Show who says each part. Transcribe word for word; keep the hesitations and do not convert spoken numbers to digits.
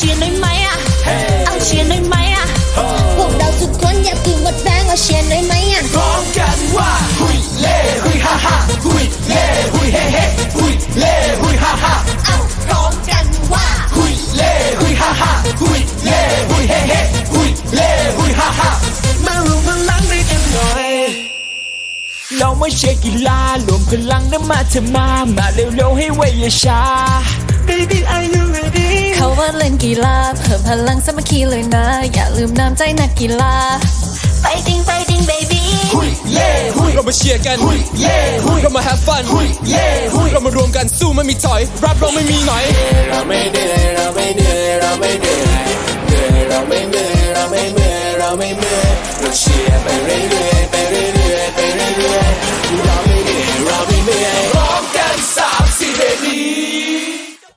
Speaker 1: ชียร์หน่อยไหมอ่ะเอาเชียร์หน่อยไหมอ่ะพวกเราทุกคนอย่าเพิ่งหมดแรงเอาเชียร์หน่อยไหมอ่ะ
Speaker 2: พร้อมกันว่าหุยเล่หุยฮ่าฮ่าหุยเล่หุยเฮ่เฮ่หุยเล่หุยฮ่าฮ่า
Speaker 1: เอาพร้อมกันว่า
Speaker 2: หุยเล่หุยฮ่าฮ่าหุยเล่หุยเฮ่เฮ่หุยเล่หุยฮ่าฮ่ามารวมพลังด้วยกันหน่อยเราไม่ใช่กีฬารวมพลังนะมาเถอะมามาเร็วๆให้ไวอย่าช้า Baby are you ready
Speaker 1: เขาว่าเล่นกีฬาเพิ่มพลังสามัคคีเลยนะอย่าลืมน้ำใจนักกีฬา Fighting Fighting baby
Speaker 2: หุยเล่หุย
Speaker 3: เรามาเชียร์กัน
Speaker 2: หุยเล่หุย
Speaker 3: เรามา have fun
Speaker 2: หุยเล่หุย
Speaker 3: เรามารวมกันสู้ไม่มีถอยรับเราไม่มีหน่อย
Speaker 2: เราไม่เหนื่อยเราไม่เหนื่อยเราไม่เหนื่อยเหนื่อยเราไม่เหนื่อยเราไม่เมื่อยเราไม่เมื่อยเราเชียร์ไปเรื่อยๆไปเรื่อยๆไปเรื่อยๆเราไม่